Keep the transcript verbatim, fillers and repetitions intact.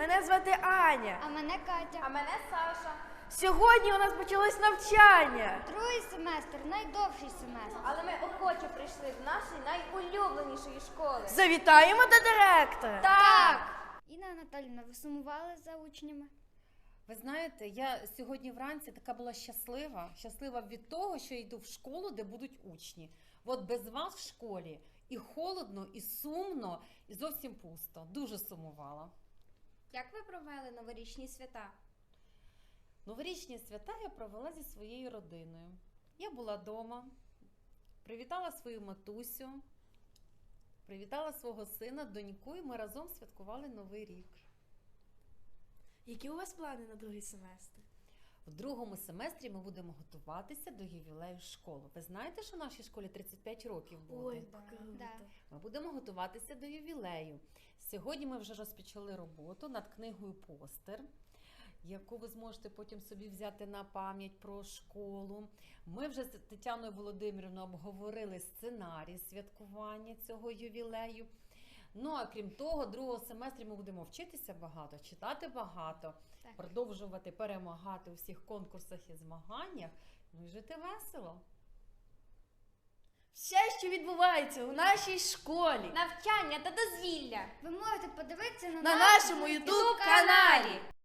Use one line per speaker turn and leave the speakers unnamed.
мене звати Аня.
А мене Катя.
А мене Саша.
Сьогодні у нас почалось навчання.
Другий семестр найдовший семестр.
Але ми охоче прийшли до нашої найулюбленішої школи.
Завітаємо до директора.
Так!
Інна Анатоліївна, ви сумували за учнями?
Ви знаєте, я сьогодні вранці така була щаслива, щаслива від того, що я йду в школу, де будуть учні. От без вас в школі і холодно, і сумно, і зовсім пусто. Дуже сумувала.
Як ви провели новорічні свята?
Новорічні свята я провела зі своєю родиною. Я була вдома, привітала свою матусю, привітала свого сина, доньку, і ми разом святкували Новий рік.
Які у вас плани на другий семестр?
В другому семестрі ми будемо готуватися до ювілею школи. Ви знаєте, що в нашій школі тридцять п'ять років буде?
Ой,
Да.
круто.
Да.
Ми будемо готуватися до ювілею. Сьогодні ми вже розпочали роботу над книгою «Постер», яку ви зможете потім собі взяти на пам'ять про школу. Ми вже з Тетяною Володимирівною обговорили сценарій святкування цього ювілею. Ну, а крім того, другого семестрі ми будемо вчитися багато, читати багато,
Так.
продовжувати перемагати у всіх конкурсах і змаганнях, ну і жити весело.
Все, що відбувається у нашій школі,
Навчання та дозвілля
Ви можете подивитися на,
на
наш
нашому
YouTube
ютуб каналі.